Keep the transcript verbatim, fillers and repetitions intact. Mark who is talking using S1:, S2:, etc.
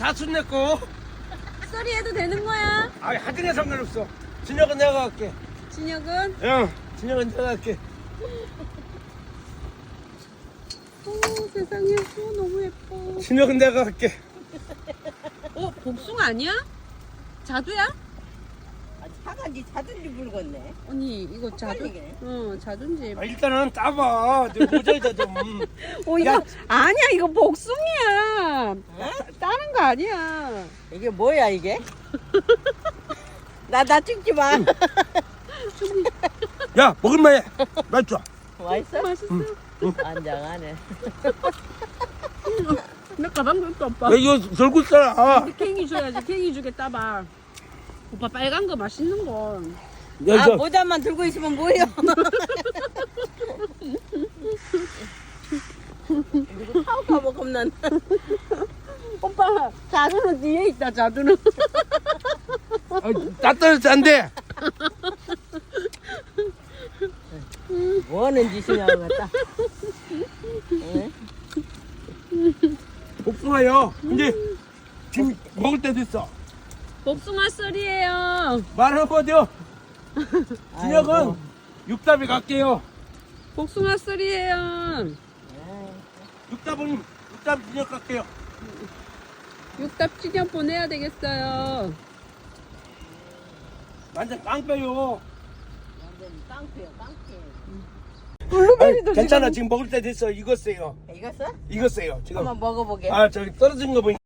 S1: 사촌 내꺼.
S2: 썰이 해도 되는 거야?
S1: 아이 하등에 상관없어. 진혁은 내가 갈게.
S2: 진혁은?
S1: 응. 진혁은 내가 갈게.
S2: 오 세상에 오, 너무 예뻐.
S1: 진혁은 내가 갈게.
S2: 어 복숭아 아니야? 자두야?
S3: 아, 차가 니 자든지 물건네.
S2: 언니 이거 자두.
S3: 헷갈리게.
S2: 어 자두인지.
S1: 아, 일단은 따봐. 내 모자에다 좀.
S2: 어 이거
S1: 야.
S2: 아니야 이거 복숭이야. 따는 거 아니야.
S3: 이게 뭐야 이게? 나 나 찍지 마.
S1: 야 먹을만해. 맛있어.
S3: 맛있어?
S2: 맛있어.
S3: 안장하네.
S2: 내 가방도 있어 오빠.
S1: 야 이거 절구 싸라.
S2: 우리 캥이 줘야지. 캥이 주겠다 봐. 오빠 빨간 거 맛있는 거.
S1: 야
S3: 아
S1: 저.
S3: 모자만 들고 있으면 뭐예요? 누구 타오가 먹으면
S2: 오빠 자두는 뒤에 있다 자두는.
S1: 따뜻해서 안 돼.
S3: 뭐 하는 짓이냐고 갖다. 응?
S1: 복숭아요. 이제 지금 먹을 때 됐어.
S2: 복숭아 썰이에요.
S1: 말 한마디요. 진혁은
S3: 아이고.
S1: 육답에 갈게요.
S2: 복숭아 썰이에요.
S1: 육답은 육답 진혁 갈게요.
S2: 육답 찌녀 보내야 되겠어요.
S1: 완전 깡패요.
S3: 완전 깡패요 깡패.
S2: 블루베리도
S1: 괜찮아 지금 먹을 때 됐어. 익었어요.
S3: 이거 써?
S1: 익었어요 지금.
S3: 한번 먹어보게.
S1: 아 저기 떨어진 거 보니까.